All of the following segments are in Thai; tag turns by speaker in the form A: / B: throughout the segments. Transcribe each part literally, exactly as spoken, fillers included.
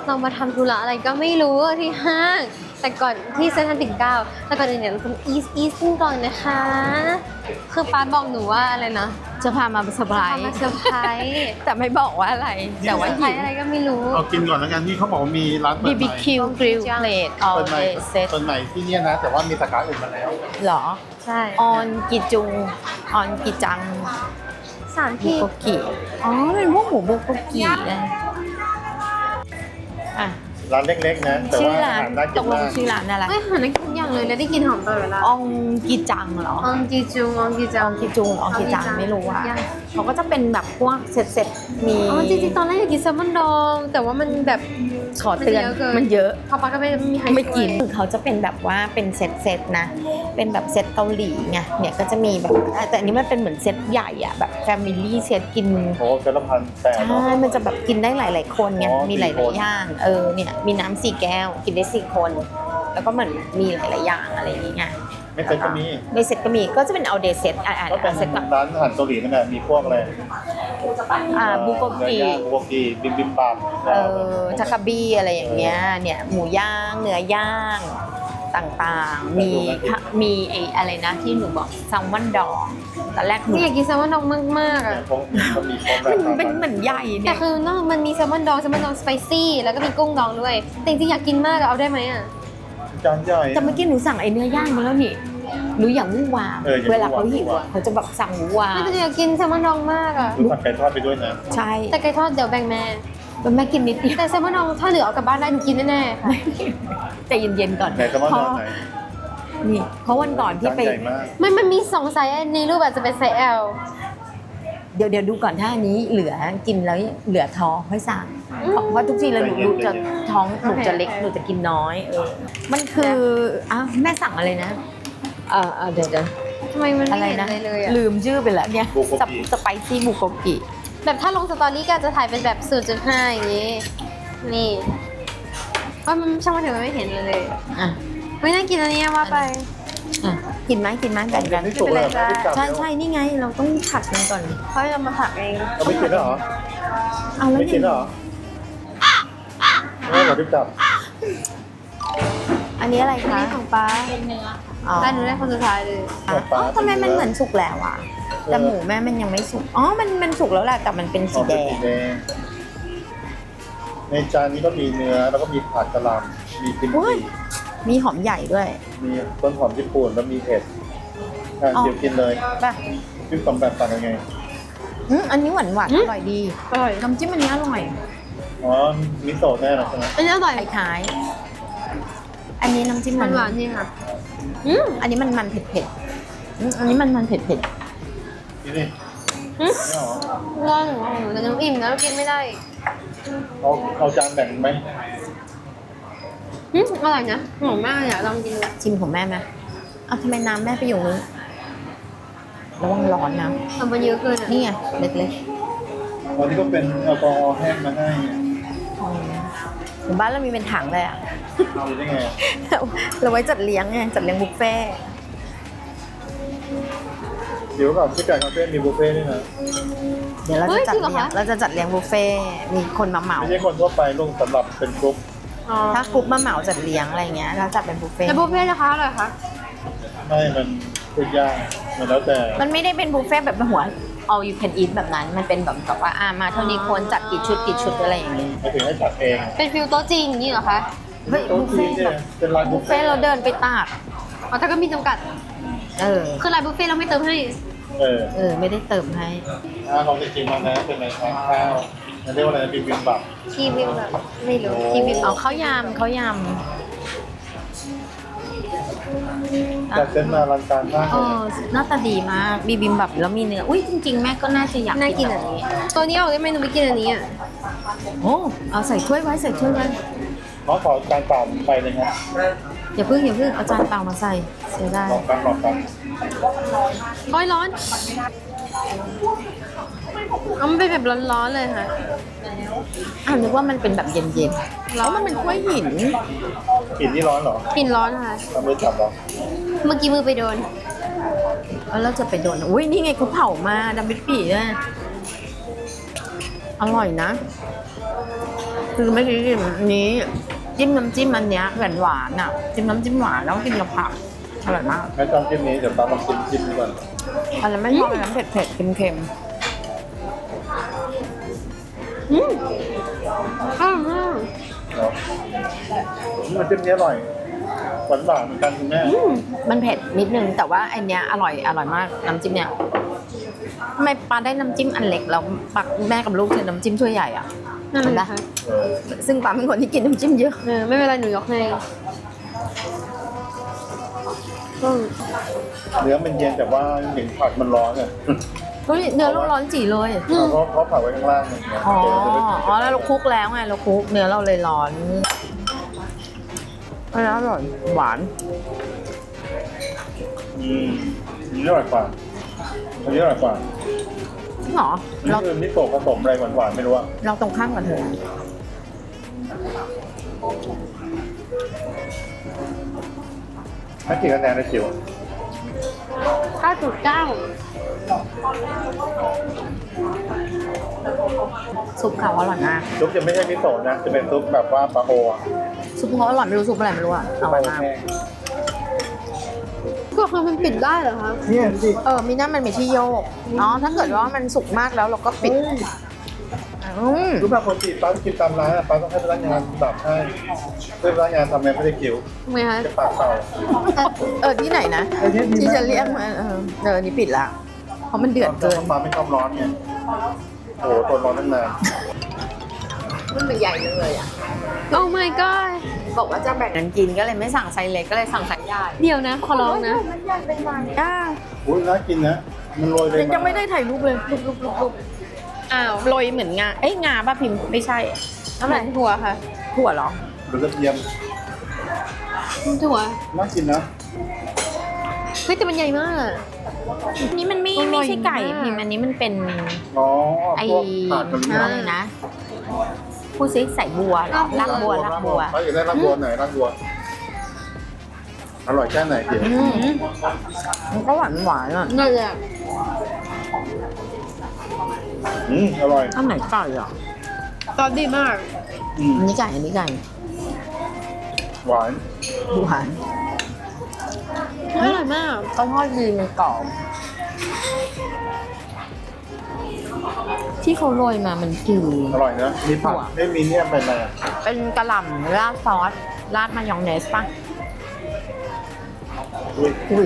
A: เรามาทำธุระอะไรก็ไม่รู้ที่ห้างแต่ก่อนที่เซ็นทรัลปิ่นเกล้าแต่ก่อนอื่นเนี่ยเราต้องอีสอีสกันก่อนนะคะคือป้าบอกหนูว่าอะไรนะ
B: จะพามาเซอร์ไพรส์
A: มาเซอร์ไพรส์
B: แต่ไม่บอกว่าอะไรแต่ว่า
A: เซอร์ไพรส์อะไรก็ไม่รู้
C: เอากินก่อนแล้วกันที่เขาบอกว่ามีร้านเปิ
B: บี
C: ดให
B: บี
C: ม่
B: คิวกริลเพลทออ
C: เปิ
B: ล
C: ดใหม่
B: เดย์เซต
C: เปิดใหม่ที่เนี่ยนะแต่ว่ามีสาขาอื่นมาแล้ว
B: หรอ
A: ใช่
B: ออนกิจุงออนกิจัง
A: สาม
B: บุ
A: ที่
B: โกกิอ๋อเป็นพวกหมูบุโกกินะอ่ะ
C: ร้านเล็กๆนะแต่
B: ชื่อ
C: ว่าอา
B: ร้าน
C: หารน่า
B: ต
C: กิน
B: กล
C: มาง ก
B: ชื่อร้านอะไร
A: ไม่หานักกินอย่างเลยแล้วได้กินหอมตลอดเวลา
B: อองกิจังเหรอ
A: อองกีจุงอองกีจั
B: อง องกิจุงอองกิจังไม่รู้อ่ะเขาก็จะเป็นแบบพวกเซ็ตๆมี
A: อ๋อจริงๆตอนแรกอยากกินแซลมอนดองแต่ว่ามันแบบ
B: ขอเตือน
A: มันเยอะเกิน
B: มันเยอะ
A: พอปาก็ไม่มีใคร
B: ไม่กิน
A: ช่วย
B: เขาจะเป็นแบบว่าเป็นเซตเซตๆนะ เป็นแบบเซตเกาหลีไงเนี่ยก็จะมีแบบแต่อันนี้มันเป็นเหมือนเซตใหญ่อะแบบแฟมิลี่เซตกิน
C: โอ้เจละพันแปด
B: ใช่มันจะแบบกินได้หลาย ๆ คนไง
C: อ๋อ
B: มีหลาย
C: สี่คน
B: ๆอย่างเออเนี่ยมีน้ำสี่แก้วกินได้สี่คน แล้วก็เหมือนมีหลาย ๆ อย่างอะไรอย่างเงี้ย
C: ไม่เป็นก็มี
B: ในเซตก็มีก็จะเป็นเอาเดย์เซตอ่า
C: ก็เป็น
B: เซตกับ
C: ร้านอาหารเกาหลีนั่นแหละมีพวกอะไร
B: อ่าบุโก
C: เนื้
B: กิ
C: อย่างบุโกกิบิมบิมบับ
B: เออทาคาบิอะไรอย่างเงี้ยเนี่ยหมูย่างเนื้อย่างต่างๆ มีมีไอ้อะไรนะที่หนูบอกแซลมอนดองตอนแรกหนู
A: นี่อยากกินแซลมอนดองมากๆ
C: เนี่
A: อ่ะ
C: ยพวกเขามีครบแบ
B: มั
C: บ
B: นเป็นเหมือนใหญ่
A: แต่
B: เนี่ย
A: คือนอกมันมีแซลมอนดองแซลมอนดองสไปซี่แล้วก็มีกุ้งดองด้วยแต่จริงๆอยากกินมากอะเอาได้ไหมอ่ะ
C: จานใหญ่
B: แต่เมื่อกี้หนูสั่งไอ้เนื้อย่างมาแล้วนี่หนูอย่างวู่วาม
C: เอออย่าง
B: เวลาเขา
C: วู่
B: หิว
C: วาม
B: อ่ะเขาจะแบบสั่งวู่วาม
A: ไม่แต่อยากกินแซลมอนดองมากอ่ะ
C: ดูผัดไก่ทอดไปด้วยนะ
B: ใช่
A: แต่ไก่ทอดเดี๋ยวแบ่งแม่
B: มันแม่กินนิดเดียว
A: แต่แซลมอนดองถ้าเหลือเอากลับบ้านได้หนูกินแน่ๆค่ะ
B: ใจเย็นๆก่อน
C: ไหนแซลมอน
B: เพ
C: ด
B: ราะ
C: องไหน
B: นี่เพราะวันก่อนที่
C: จาน
B: ไป
C: ใหญ่มาก
A: ไม่มันมีสองไซส์ในรูปอาจจะเป็นไซส์ L
B: เดี๋ยวเดี๋ยวดูก่อนถ้าอันนี้เหลือกินแล้วเหลือท้องค่อยสั่งเพราะเพราะทุกทีแล้วหนูหนูจะท้องหนูจะเล็กหนูจะกินน้อยเออมันคืออ้าวแม่สั่งอะไรนะเออเออเดี๋ยวเดี๋ยว
A: ทำไมมัน
B: อะ
A: ไม่
B: ไร
A: เห็น
B: นะ
A: อะไรเลยอ่ะ
B: ลืมชื่อไปแล้วเนี่ย
C: บุโกกิ
B: สไปซี่บุโกกิ
A: แบบถ้าลงสตอรี่ก็จะถ่ายเป็นแบบ ศูนย์จุดห้า อย่างนี้ นี่ว่ามันช่างมันเถอะมันไม่เห็นเลยเลย
B: อ่ะ
A: ไม่น่ากินอันนี้ว่าไป
B: อ่ะกินไหมกินไหมแบ่งกัน
C: ไม่สุกเลยเหรอ
A: ไม่เป็นไรจ้า
B: ใช่ใช่นี่ไงเราต้องผัดกันก่อน
A: เขาจะมาผักเอง
C: เราไม่กินแล้วเหรอ
B: เอาแล้ว
C: ไม่กิน
B: นี่
C: แล้วเหรอไม่เหรอที่จับ
B: อันนี้อะไร
A: อัน
B: คะ
A: นี้ของป้าเป็นเนื้อ
B: อ๋อ
A: ป้าหนูได้คนสุดท้ายเลย
B: อ๋อทำไมมันเหมือนสุกแล้วอ่ะแต่หมูแม่มันยังไม่สุกอ๋อมันมันสุกแล้วแหละแต่มันเป็น
C: อ๋
B: สี
C: อ
B: แด
C: เป็น
B: ง
C: สีแดงในจานนี้ก็มีเนื้อแล้วก็มีผัดกะหล่ำมีกิม
B: อุ๊ย
C: จิ
B: มีหอมใหญ่ด้วย
C: มีต้นหอมญี่ปุ่นแล้วมีเห็ดอ่ะ
B: อ๋อ
C: เดี๋ยวกินเลย
B: ป่ะ
C: พี่สมแบบต่างกันไง
B: อืมอันนี้หวานหวาน
A: อื
B: อ
A: ม
B: ร่อยดี
A: อร่อย
B: น้ำจิ้มอันนี้อร่อย
C: อ๋อมิโซะแน่นะใช่ไหม
A: อันนี้อร่อย
B: คล้ายๆอันนี้น้ำจิ้ม
A: ห
B: มั
A: วาน นหวานๆนี่ค่ะอืม
B: อันนี้มันมันเผ็ดเผ็ดๆอืมอันนี้มันมันเผ็ดเผ็ด
C: นี่นี่
A: อืม
C: ไม่เหรอ
A: ง่วงของหนูแต่หนูอิ่มนะกินไม่ได้
C: เอาเอาจานแบ่งไหม
A: อืมอร่อยนะหอมมากเลยอะลองกินดู
B: ชิมของแม่ไหมเอาทำไมน้ำแม่ไปอยู่นู้นระวังร้อนนะ
A: ทำมันเยอะเกินอ่ะ
B: นี่ไงเล็ก
C: วันนี้ก็เป็นแอลกอฮอล์แห้งมาให้
B: ๆอืมถึงบ้านเรามีเป็นถังเลยอ่ะ
C: เอาได้ไง
B: เราไว้จัดเลี้ยงไงจัดเลี้ยงบุฟเฟ่ต์
C: เดี๋ยวก่อนที่ไก่คาเฟ่มีบุฟเฟ่ต์ด้วยนะ
B: เดี๋ยวเราจะจัดเลี้ยงเราจะจัดเลี้ยงบุฟเฟ่ต์มีคนมาเหมา
C: ไม่ใช่คนทั่วไปลงสำหรับเป็นกรุ๊ป
A: อ๋อ
B: ถ้ากรุ๊ปมาเหมาจัดเลี้ยงอะไรเงี้ยเราจัดเป็นบุฟเฟ่ต์
A: แล้วบุฟเฟ่ต์นะคะอร่อยคะ
C: ให้มันพูดยากมันแล้วแต่
B: มันไม่ได้เป็นบุฟเฟ่ต์แบบหัว all you can eat แบบนั้น มันเป็นแบบแบบว่าอ่ามาเท่านี้คนจัดกี่ชุดกี่ชุดอะไรอย่างเงี้ย
C: ไม่ถึงให้จัดเอง
A: เป็นฟิลโต๊ะจีนอย่างนี้เหรอคะ
B: เฮ้ย
C: โต๊ะ
B: บุฟ
C: จี
B: เฟ่
C: น
B: ต์
C: เนี่
B: แบ
C: ย
B: บ
C: เป็นร้านบุ
B: บุ
C: ฟ
B: ฟ
C: เฟ่
B: เฟ่ต์เราเดินไปตาก
A: อ๋อแต่ก็มีจำกัด
B: เออ
A: คือรายบุฟเฟ่ต์เราไม่เติมให้
C: เออ
B: เออไม่ได้เติมให้
C: ถ้าลองจะกินมานะเป็นอะไรครับข้าวมันเรียกว่าอะไรบิมบิมบับ
A: คีบิมแบบไม่รู้คีบิม
B: เอาข้าวยำข้าวย
C: จัดเส้นมารันการมาก
B: ำ
C: เล
B: เอย อหน้าตาดีมากบีบิมแบบแล้วมีเนื้ออุ้ยจริงๆแม่ก็น่าจะอยาก
A: น่ากิน
B: แบ
A: อ่ะ
B: บนี้
A: ตัวนี้ออกได้ไหมหนูไม่กินอันนี้อ่ะ
B: โอ้เอาใส่ถ้วยไว้ใส่ถ้วยไว้
C: ขอขอจานเปล่าไปเลยครับ
B: อย่าเพิ่งอย่าเพิ่งเอาจานเปล่ามาใส่เสียดาย
C: ลองกันลองกัน
A: โอ้ยร้อนเอามันเป็นแบบร้อนๆเลยค่ะ
B: อ่านึกว่ามันเป็นแบบเย็นๆแล้วมันเป็นถ้วยหิน
C: กลิ่นนี่ร้อนเหรอก
A: ลิ่นร้อนค่ะ
C: ทำมือจับเหรอ
A: เมื่อกี้มือไปโดน
B: แล้วเราจะไปโดนอุ้ยนี่ไงเขาเผามาดำบิดปีด้วยอร่อยนะคือไม่ได้กินอันนี้จิ้มน้ำจิ้มอันเนี้ยหวานหวานๆอ่ะจิ้มน้ำจิ้มหวานแล้วก็กินกับผักอร่อยมาก
C: แม่จองจิ้มนี้เดี๋ยวป้าลองชิมจิ้มดีกว่า
B: อันนั้นไม่ชอบอันนั้นเผ็ดเผ็ดๆเค็ม
A: อืมอร่อยมาก
C: เนาะมันจิ้มนี้อร่อยหวานหวานๆเหมือนกันคุณแม่
B: ๆมันเผ็ดนิดนึงแต่ว่าอันเนี้ยอร่อยอร่อยมากน้ำจิ้มเนี้ยทำไมปาได้น้ำจิ้มอันเล็กแล้วปักแม่กับลูกใช้น้ำจิ้มถ้วยใหญ่อ่ะ
A: นั่น
B: เห็น
A: แห
B: ปะ
A: ละค่ะ
C: เออ
B: ซึ่งปาเป็นคนที่กินน้ำจิ้มเยอะ
A: เออไม่เป็นไรหนูยกให้อืม
C: เนื้อมันเย็นแต่ว่าเห็นผักมันร้อนเนี่ย
B: เฮ้ยเนื้อเราร้อนจีเลย
C: เพราะเขาผักไว้ข้างล่างเนี่ย
B: อ๋อ
C: เดี๋ยวจะไป
B: อ๋อแล้วเราคลุกแล้วไงเราคลุกเนื้อเราเลยร้อนอันนี้อร่อยหวาน
C: อืมอันนี้อร่อยกว่าอันนี้อร่อยกว่า
B: จริงเหรอ
C: อัน
B: เรา
C: นี้คือมิโซะผสมอะไรหวานๆไม่รู้อะ
B: เราตรงข้ามกันเถอะ
C: ให้กี่คะแนนในจิ๋ว
A: เก้าจุดเก้า
B: ซุปเขาอร่อยมาก
C: ซุปจะไม่ใช่มิโซะนะจะเป็นซุปแบบว่าปลาโออะ
B: ซุปเขาอร่อยไม่รู้ซุปอะไรไม่รู้อ่ะอร่อยมาก
C: แห้ง
A: ก็คือมันปิดได้เหรอคะ
C: เนี่ยสิ
B: เออมีนั่นมันมีที่โยกอ๋อถ้าเกิดว่ามันสุกมากแล้วเราก็ปิดอืม
C: รู้ป่ะคนจีบป้ากินตามร้านอะป้าต้องให้พนักงานดับให้เพื่อพนักงานทำไงไม่ได้คิว
A: ทำไมคะ
C: จะปากเปล่า
B: เออที่ไหนนะ
C: เออเนี่ยดี
B: ที่
C: มาก
B: จะเรียกมาเออเออนี่ปิดละเพราะมันเดือดเกิน
C: ป้าไม่ชอบร้อนไงโอ้โหตัวร้อนตั้งนาน
B: มันเป็นใหญ่เลยอ่ะ
A: โอ้ my god
B: บอกว่าจะแบ่งกันกินก็เลยไม่สั่งไซส์เล็กก็เลยสั่งไซส์ใหญ่
A: เดี๋ยวนะขอร้องนะ
B: อ่า
C: อุ้ยน่ากินนะมันโรยเลย
B: ยังไม่ได้ถ่ายรูปเลยรูปรูปรูปรูป
A: อ้าว
B: โรยเหมือนงาเอ้ยงาป่ะพิมพ์ไม่ใช่
A: เท่าไหร่ถั่วค่ะ
B: ถั่วเหรอ
C: หรือกระเทียม
A: ถั่ว
C: น่ากินนะ
A: เฮ้ยแต่มันใหญ่มาก
B: อันนี้มันไม่
A: อร่
B: ไม่
A: อย
B: ใช่ไก่
A: มาก
B: พิมพ์อันนี้มันเป็น
C: อ๋อ
B: ไอ้
C: พวกผักมัน
B: อะไรนะพูดซิใส่บัวเหรอลากบัวลากบัว
C: เขาอยากได้รากบัวไหนรากบัวอร่อยแค่ไหนเดี๋ยว
B: อืมมันก็หวานหวานอ่ะ
A: นั่นแหละ
C: อืมอร่อย
B: ข้าวไหนไก่อ่ะ
A: ซอสดีมาก
C: อืม
B: อันนี้ไก่อันนี้ไก่
C: หวาน
B: หวาน
A: อร่อยมาก
B: ข้าวทอดดีมันกรอบที่เขาโรยมามันคือ
C: อร่อยนะมีผักไม่มีเนี่ยเป็นอะไรอะ
B: เป็นกระหล่ำราดซอสราดมายองเนสป่ะ
C: อุ้ย
B: อุ้ย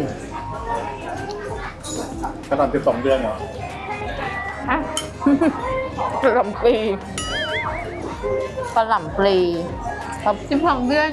C: ขนาดสิบสองเดือนเหรอ
B: ฮะ กระหล่ำปลีกระหล่ำปลีครับ
A: สิบสองเดือน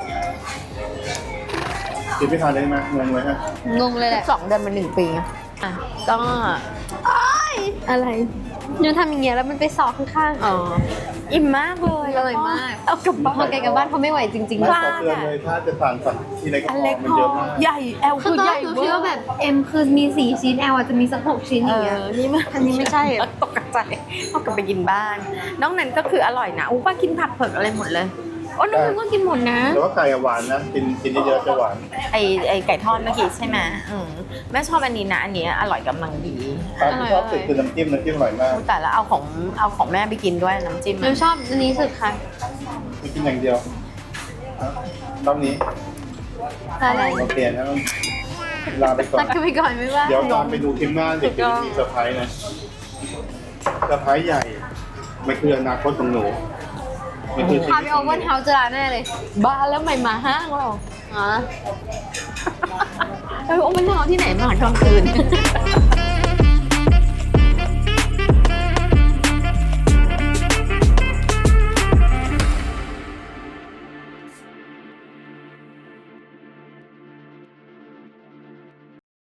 C: กินไม่ทานเลยไหมงงเลยฮะ
A: งงเลยแหละ
B: สองเดือนเป็นหนึ่งปีอะอ่ะก็ อะไร
A: ยูทำอย่างเงี้ยแล้วมันไปสอกข้างๆ
B: อ๋ออิ่มมากเลย
A: อร่อยมาก
B: เอากลับบ้า
A: พอน ไกลกับบ้านเขาไม่ไหวจริง
C: ไม่
A: ๆ
C: ขอเตือนเลยถ้าจะทานสัตว์ที่เล็ก
B: อันเล็ก
C: มัน
B: พ
C: เย
B: อ
C: อะมาก
B: ใหญ่แอล
A: คือ
B: คือ
A: ตอน
B: ให
A: แร
B: ญ่
A: กหนู
B: เว
A: คิด
B: อ
A: ว่า
B: ร์
A: แบบ M คือมีสี่ชิ้น L อาจจะมีสักหกชิ้น
B: เอ
A: อย่างเงี้ย
B: อนี่มัน
A: อันนี้ไม่ใช่อะ
B: ตกใจเอากลับไปกินบ้านนอกนั้นก็คืออร่อยนะอู้ป้ากินผักเผือกอะไรหมดเลย
A: โอ้น้องพิมก็กินหมดนะ
C: แต่ว่าไก่อะหวานนะกินกินเยอะๆจะหวาน
B: ไอไอไก่ทอดเมื่อกี้ใช่ไหมอืมแม่ชอบอันนี้นะอันนี้อร่อยกำลังดี
C: ปลาที่ชอบสุดคือน้ำจิ้มน้ำจิ้มอร่อยมาก
B: แต่แล้วเอาของเอาของแม่ไปกินด้วยน้ำจิ้ม
A: หนูชอบอันนี้สุดค่ะ
C: ไม่กินอย่างเดียวรอบนี้
A: อะไร
C: เราเปลี่ยนนะลาไปก่อน
A: ตัดกันไปก่อนไม่ว่า
C: เดี๋ยวตามไปดูคลิปหน้าเด็กจะมีเซอร์ไพรส์นะเซอร์ไพรส์ใหญ่มันคืออนาคตของหนูมันคือชี
A: พา
C: วิ
A: ไป
C: ต
A: โอ
C: ของห
A: เวอร์
C: นู
A: เฮาส์จะร้านแน่เลย
B: บ้าแล้วไม่มาห้างเรา
A: อ๋อ
B: เออโอ้มันนอนที่ไหนมาตอนคืน